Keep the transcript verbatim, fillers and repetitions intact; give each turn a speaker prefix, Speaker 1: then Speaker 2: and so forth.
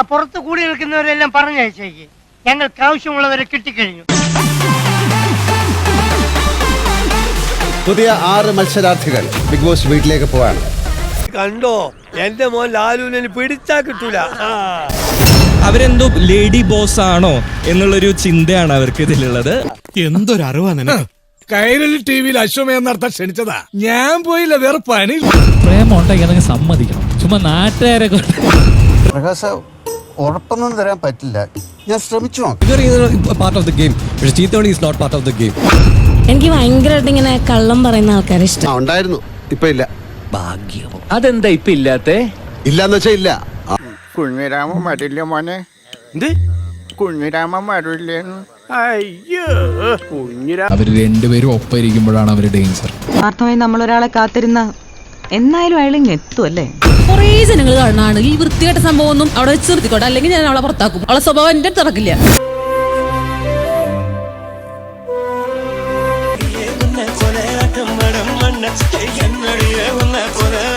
Speaker 1: പുറത്ത് കൂടി നിൽക്കുന്നവരെല്ലാം പറഞ്ഞയച്ചേക്ക്. ഞങ്ങൾക്ക് ആവശ്യമുള്ളവരെ കിട്ടിക്കഴിഞ്ഞു.
Speaker 2: പുതിയ ആറ് മത്സരാർത്ഥികൾ ബിഗ് ബോസ് വീട്ടിലേക്ക് പോവാണ്.
Speaker 3: കണ്ടോ, എന്റെ മോൻ ലാലുവിനെ പിടിച്ചാ കിട്ടൂല.
Speaker 4: അവരെന്തോ ലേഡി ബോസ് ആണോ എന്നുള്ളൊരു ചിന്തയാണ് അവർക്ക് ഇതിലുള്ളത്.
Speaker 5: എന്തൊരറിവാ നിനക്ക്. കൈരളി ടി വിയിൽ അശ്വമേധം നടത്താൻ ക്ഷണിച്ചതാ, ഞാൻ പോയില്ല, വേറെ പണി.
Speaker 6: പ്രേമം ഉണ്ടെങ്കിൽ സമ്മതിക്കണം, ചുമ്മാ നാട്ടുകാരെ
Speaker 2: പ്രകാശ ഉറപ്പൊന്നും തരാൻ പറ്റില്ല, ഞാൻ ശ്രമിച്ചു നോക്കാം.
Speaker 7: പാർട്ട് ഓഫ് ദ ഗെയിം, പക്ഷേ cheating is not part of the game.
Speaker 8: എനിക്ക് ഭയങ്കരമായിട്ട് ഇങ്ങനെ കള്ളം പറയുന്ന ആൾക്കാരെ ഇഷ്ടം.
Speaker 2: ഉണ്ടായിരുന്നു, ഇപ്പൊ ഇല്ല.
Speaker 7: ഭാഗ്യം.
Speaker 6: അതെന്താ ഇപ്പൊ ഇല്ലാത്തെ?
Speaker 2: ഇല്ലാന്ന് വെച്ചാ ഇല്ല.
Speaker 9: കുഞ്ഞിരാമൻ വരില്ല മോനെ.
Speaker 3: എന്ത്
Speaker 9: കുഞ്ഞിരാമൻ വരില്ലേന്ന്? അയ്യോ, കുഞ്ഞിരാ
Speaker 6: അവര് രണ്ടുപേരും ഒപ്പം ഇരിക്കുമ്പോഴാണ് അവര് ഡേഞ്ചർ.
Speaker 10: ആത്മാമായി നമ്മൾ ഒരാളെ കാത്തിരുന്ന എന്നായാലും അയാൾ ഇങ്ങ് എത്തുമല്ലേ.
Speaker 8: കുറേ ജനങ്ങൾ കാണാണ് ഈ വൃത്തികെട്ട സംഭവം ഒന്നും അവിടെ വെച്ച് നിർത്തിക്കോട്ടെ, അല്ലെങ്കിൽ ഞാൻ അവളെ പുറത്താക്കും. അവളെ സ്വഭാവം എന്റെ അടുത്ത് നടക്കില്ല.